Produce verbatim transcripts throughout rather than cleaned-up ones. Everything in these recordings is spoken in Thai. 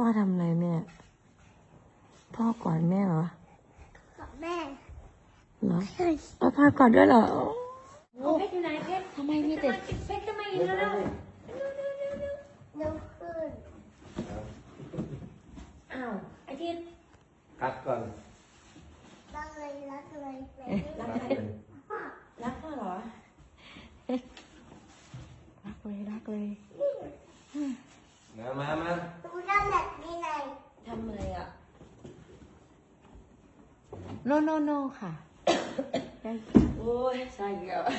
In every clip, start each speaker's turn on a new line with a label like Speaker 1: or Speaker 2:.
Speaker 1: อทำอะไรแม่พ่อกอดแม่เหรอ
Speaker 2: กับแม่
Speaker 1: เหรอเอาพ่อกอดด้วยเหรอ
Speaker 3: โอ้เพชรอยู่ไหนเพชร
Speaker 1: ทำไมมีแต่
Speaker 3: เพชรจะมาอีกแล้ว
Speaker 2: เร็วขึ้น
Speaker 3: อ้าวไอ้ที่
Speaker 4: คัดก่อน
Speaker 2: รักเลยรักเลย
Speaker 3: รักใครรักพ่อเหรอ
Speaker 1: รักเลยรักเลย
Speaker 4: มามามา
Speaker 2: ดูด้านหลังนี่ไง
Speaker 3: ทำอะไรอ่ะ
Speaker 1: โนโนโนค่ะ
Speaker 3: โอ้ยใช่เกี่ยว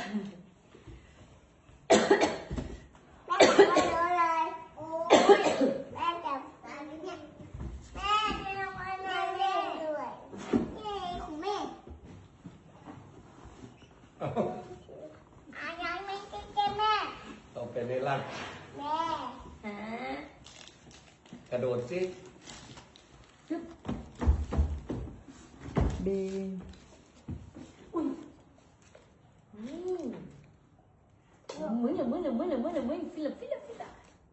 Speaker 2: แม่ทำอะไรเลยโอ้ยแม่จับอันนี้เนี่ยแม่จะทำอะไรเล่นด้วยเย้ของแม่อายังไม่ใช่แม่แม่
Speaker 4: ต้องเป็นในร่าง
Speaker 2: แม่
Speaker 3: ฮะ
Speaker 4: กระโดดสิ
Speaker 1: เบง
Speaker 3: อุ้ยมึงอย่ามึงอย่ามึงอย่ามึงอย่ามึงฟิลฟิลฟิล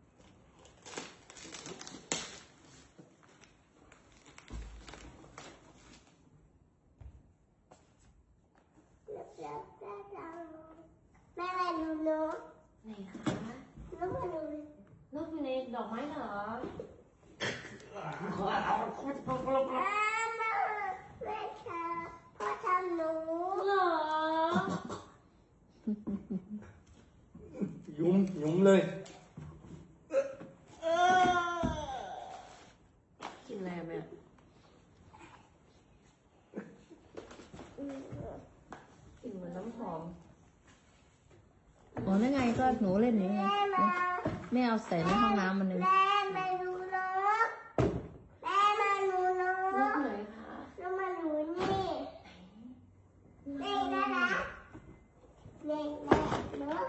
Speaker 2: แม่มาดูนก
Speaker 3: ไหนคะ
Speaker 2: นกมาดู
Speaker 3: นกอยู่ในดอกไม้เหรอ
Speaker 2: แม่แม่ชาพ่อทำหนู
Speaker 3: เหรอ
Speaker 4: ยุ้มยุ้มเลย
Speaker 3: กินอะไรแม่กินเหมือนน้ำหอม
Speaker 1: อ๋อนั่นไงก็หนูเล่นอย่างไงแม่เอาใส่ในห้องน้ำมันเลย
Speaker 2: แม่มาดูนกแม่มาดูนก
Speaker 3: นกไหนคะ
Speaker 2: นกมาดูนี่นี่นะนะนี่นะนก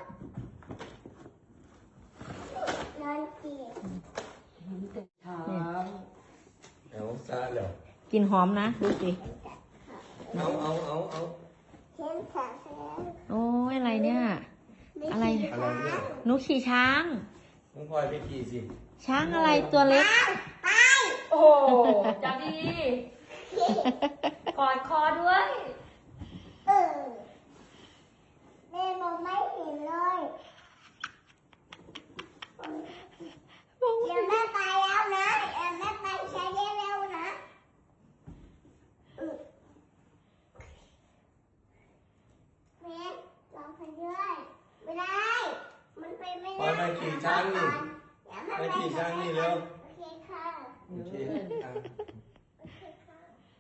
Speaker 2: นอนจีบ
Speaker 3: แต่เช้า
Speaker 4: เอาซาแล้ว
Speaker 1: กินหอมนะดูสิ
Speaker 4: เอาเอาเอาเอา
Speaker 2: เห็นขาแสง
Speaker 1: โอ้ยอะไรเนี่ยอะไร
Speaker 4: อะไรเนี่ย
Speaker 1: หนูขี่ช้าง
Speaker 4: น้องพลอยไปขี่สิ
Speaker 1: ช้างอะไรตัวเล็ก
Speaker 2: ไป
Speaker 3: โอ้จับดีกอดคอด้วย
Speaker 2: เออแม่มองไม่เห็นเลยเดี๋ยวแม่ไปแล้วนะเดี๋ยวแม่ไปใช้ได้แล้วนะแม่ลองไปด้วยไม่ได้มันไปไม่
Speaker 4: พลอ
Speaker 2: ได้
Speaker 4: ยไปขี่ช้างนี่
Speaker 2: เดี๋ยวแม่
Speaker 4: ไปขี่ช้างนี่เร็ว
Speaker 2: โอเคค่ะ
Speaker 4: โอเคอ่ะ
Speaker 2: โอเคค่ะ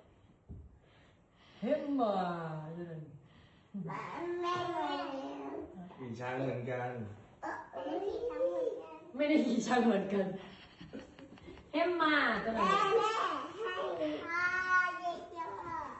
Speaker 3: เห็นมา
Speaker 2: แม่แม่
Speaker 4: ขี่ช้างเหมือนกัน
Speaker 2: เออไม่ขี่ช้างเหมือนกัน
Speaker 3: ไม่ได้ขี่ช้างเหมือนกันเห็นมาตัวไหน
Speaker 2: แม่แม่ให้พ่อเยอะ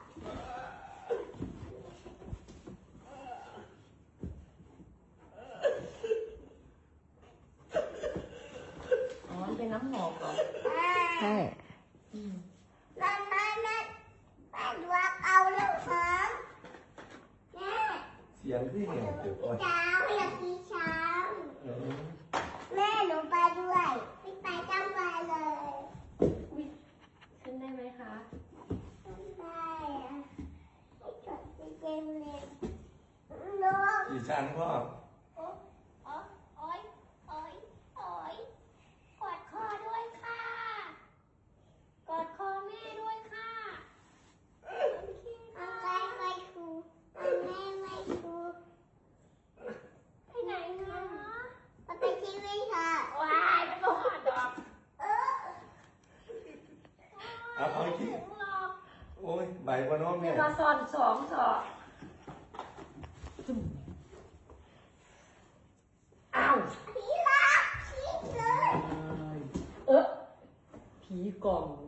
Speaker 2: ๆ
Speaker 3: อ๋อมันเป็นน้ำหอมเหรอ
Speaker 1: ใช่
Speaker 2: นั่นนั่นนั่นแม่ดวงเอาลูกหอมแม่
Speaker 4: เสียงที่เนี่ยเดี๋ยวก่อน
Speaker 2: ช้างอยากขี่ช้าง
Speaker 4: เออ
Speaker 2: แม่หนูไปด้วยไม่ไปจ้ำไปเลย
Speaker 3: อุ๊ยขึ้นได้ไหมคะ
Speaker 2: ไม่ได้อะไม่จดเกมเลยลูก
Speaker 4: ขี่ช้างพ่อ
Speaker 2: โอ๊ยโอ๊ยโอ๊ยโอ๊ยโอ๊ยกอดคอด้วยค่ะกอดคอแม่ด้วยค่ะเอาไปไปครูเอาแม่ไปครูไปไหนคะไปทีวีค่ะ
Speaker 3: ว้ายมันก็หอดดอก
Speaker 2: เออ
Speaker 4: เอาเอาขี่
Speaker 2: ถึงหรอก
Speaker 4: โอ้ยใบกว่าน้อง
Speaker 3: เนี่
Speaker 4: เนี่ย ย
Speaker 3: มาสอนสองสอบอ้าว
Speaker 2: ผีหลับผีเลย
Speaker 3: เออผีกล่อง